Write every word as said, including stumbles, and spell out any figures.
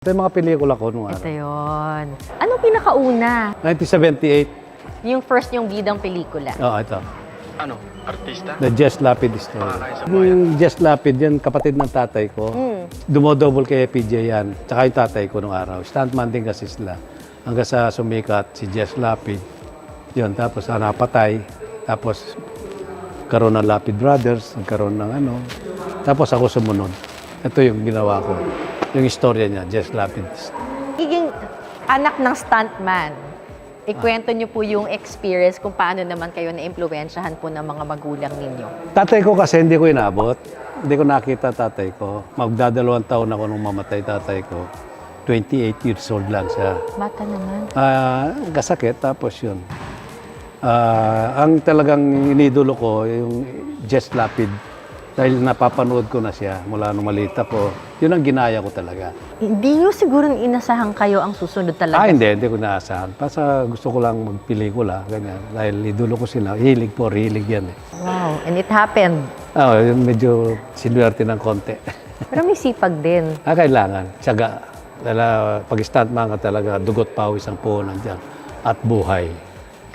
Ito yung mga pelikula ko nung Ito araw. yun. Anong pinakauna? nineteen seventy-eight. Yung first yung bidang pelikula. Oo, ito. Ano? Artista? The Jess Lapid story. Pakakain sa bayan. Yung Jess Lapid, yan kapatid ng tatay ko. Mm. Dumodouble kay P J yan. Tsaka yung tatay ko nung araw. Stuntman din kasi sila. Hanggang sa sumikat si Jess Lapid. Yun, tapos ah, napatay. Tapos karoon ng Lapid Brothers. Nagkaroon ng ano. Tapos ako sumunod. Ito yung ginawa ko. Yung istorya niya, Jess Lapid. Giging anak ng stuntman. Ikwento niyo po yung experience kung paano naman kayo na-impluwensyahan po ng mga magulang ninyo. Tatay ko kasi hindi ko inabot. Hindi ko nakita tatay ko. Magdadalawang taon ako nung mamatay tatay ko. twenty-eight years old lang siya. Bata naman. Ah, kasakit, tapos yun. Ah, ang talagang inidolo ko, yung Jess Lapid. Dahil napapanood ko na siya mula nung maliit ako. Yun ang ginaya ko talaga. Hindi niyo siguro inasahan kayo ang susunod talaga. Ah, hindi, hindi ko naasahan. Basta gusto ko lang magpelikula, ganyan. Dahil idolo ko sila. Hilig po, hilig yan eh. Wow, and it happened. Ah, yun medyo sinuwerte ng konti. Pero may sipag din. Ah, kailangan. Tiyaga. Dahil ah, pag stuntman ka talaga, dugot pawis ang puhunan dyan. At buhay.